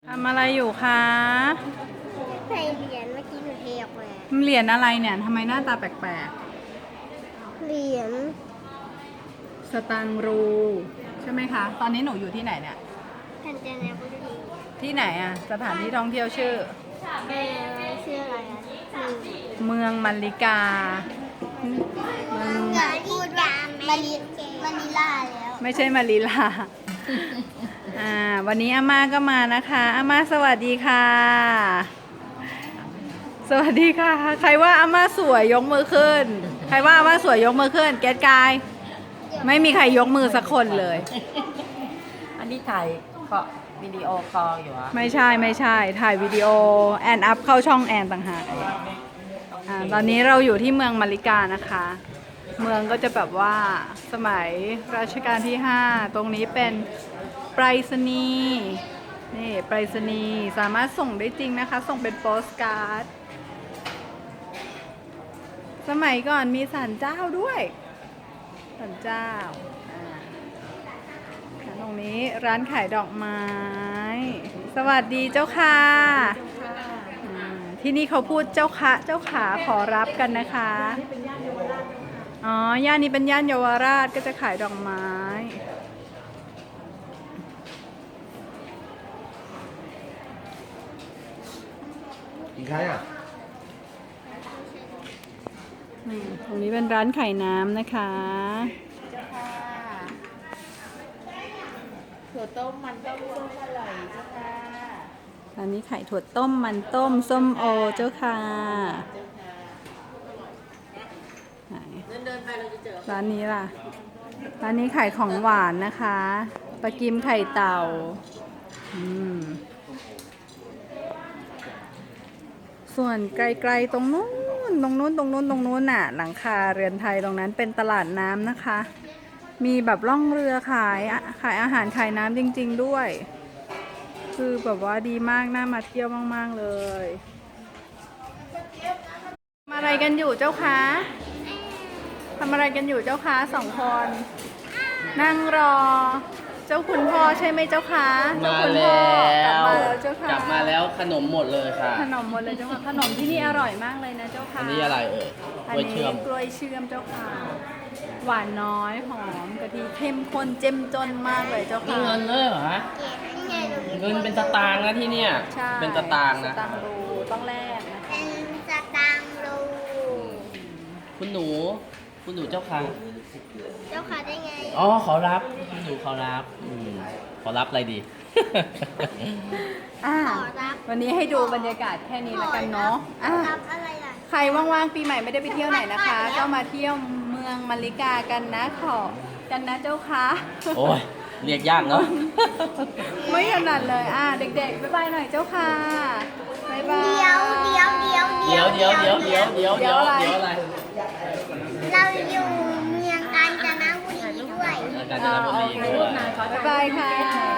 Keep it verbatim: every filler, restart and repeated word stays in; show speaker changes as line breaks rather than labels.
ทำอะไรอยู่คะ
ใส่เหรียญเมื่อกี้หนูเทออกมา
เหรียญอะไรเนี่ยทำไมหน้าตาแปลก
เหรียญ
ๆสตังค์รูใช่ไหมคะ ตอนนี้หนูอยู่ที่ไหนเนี่ย
กาญจนบุรี
ที่ไหนอะสถานที่ท่องเที่ยวชื่อ
เออชื่ออะไรอ่ะหนึ่ง
เมืองมัลลิกาเมือง
อย่าพูดว่ามาริมาริลาแล้ว
ไม่ใช่มาลีลาอ่าวันนี้อาม่าก็มานะคะอาม่าสวัสดีค่ะ สวัสดีค่ะ ใครว่าอาม่าสวยยกมือขึ้น ใครว่าอาม่าสวยยกมือขึ้น แก๊สกาย ไม่มีใครยกมือสักคนเลย
อันนี้ถ่ายก็วิดีโอคอลอยู่อะ
ไม่ใช่ไม่ใช่ถ่ายวิดีโอแอนอัพเข้าช่องแอนต่างหากอ่าตอนนี้เราอยู่ที่เมืองมาริกานะคะ เมืองก็จะแบบว่าสมัยรัชกาลที่ห้าตรงนี้เป็นไปรษณีย์นี่ไปรษณีย์สามารถส่งได้จริงนะคะ ส่งเป็นโปสการ์ดสมัยก่อนมีศาลเจ้าด้วยศาลเจ้าอ่าตรงนี้ร้านขายดอกไม้ สวัสดีเจ้าค่ะอ่าที่นี่เขาพูดเจ้าค่ะเจ้าขาขอรับกันนะคะ อ๋อย่านนี้เป็นย่านเยาวราชก็จะขายดอกไม้
กินใครอ่ะ
อืมตรงนี้เป็นร้านขายน้ำนะคะ
เจ้าค่ะถั่วต้มมันต้มส้มอร่อยเจ้าค่ะ
ร้านนี้ขายถั่วต้มมันต้มส้มโอเจ้าค่ะ
เจ้าค่ะ
ไหน
เดินเดินไปเราจะเจอ
ร้านนี้ล่ะ ร้านนี้ขายของหวานนะคะปลากิมไข่เต่าอืมส่วนไกลๆตรงนู้นตรงนู้นตรงนู้นตรงนู้นน่ะ หลังคาเรือนไทยตรงนั้นเป็นตลาดน้ำนะคะ มีแบบล่องเรือขายอะขายอาหารขายน้ำจริงๆด้วย คือแบบว่าดีมากน่ามาเที่ยวมากๆเลยทำอะไรกันอยู่เจ้าคะทำอะไรกันอยู่เจ้าคะสองคน นั่งรอ เจ้าคุณพ่อใช่ไหมเจ้าคะเจ้า
มา
คุณ
แล
พ่อ้ กลับ
ว
มาแล้วเจ้าค่ะ
กลับมาแล้วขนมหมดเลยค่ะ
ขนมหมดเลยเจ้าค่ะขนมที่นี่อร่อยมากเลยนะเจ้าค่ะ
อันนี้อะไรเอ่ย
อัน
กล้วย
นี้
เชื่อม
กล้วยเชื่อมเจ้าค่ะ หวานน้อยหอมกะทิเข้มข้นเจ้มจนมากเลยเจ้า
มี
ค่ะ
เงินเลยเหรอฮะ
นี่ไงหนู
เงินเป็นสตางค์นะที่เนี่ย
ใช่
เป็นสตางค์นะ
สตางค์รูต้องแลกนะคะ
เป็นสตางค์รู
คุณหนู คุณหนูเจ้าค่ะ
เจ้าค่ะได้ไง
อ๋อขอรับ คุณหนูขอรับอืมขอรับอะไรดี
อ่า
ขอรับ
วันนี้ให้ดูบรรยากาศแค่นี้แล้วกันเนาะ
ข
อ่ะ
อรับอะไรล่ะ
ใครว่างๆปีใหม่ไม่ได้ไปเที่ยวไหนนะคะ ก็มาเที่ยวเมืองมาริกากันนะขอกันนะเจ้าค่ะ
โอ้ย เรียกยากเนาะ
ไม่ถนัดเลยอ่ะเด็กๆบ๊ายบายหน่อยเจ้าค่ะบ๊ายบาย
เดี๋ยวเดี๋ยวเดี๋ยว
เดี๋ยวเดี๋ยวเดี๋ยวเดี๋ยวเดี๋ยวเดี๋ยว
เดี๋
เดี๋
ย
ยว ว
อะ
อะไร ไร
เราอยู่เมืองกาญจนบุรีด้วย
กาญจนบุรีด้วย
บ๊ายบายค่ะ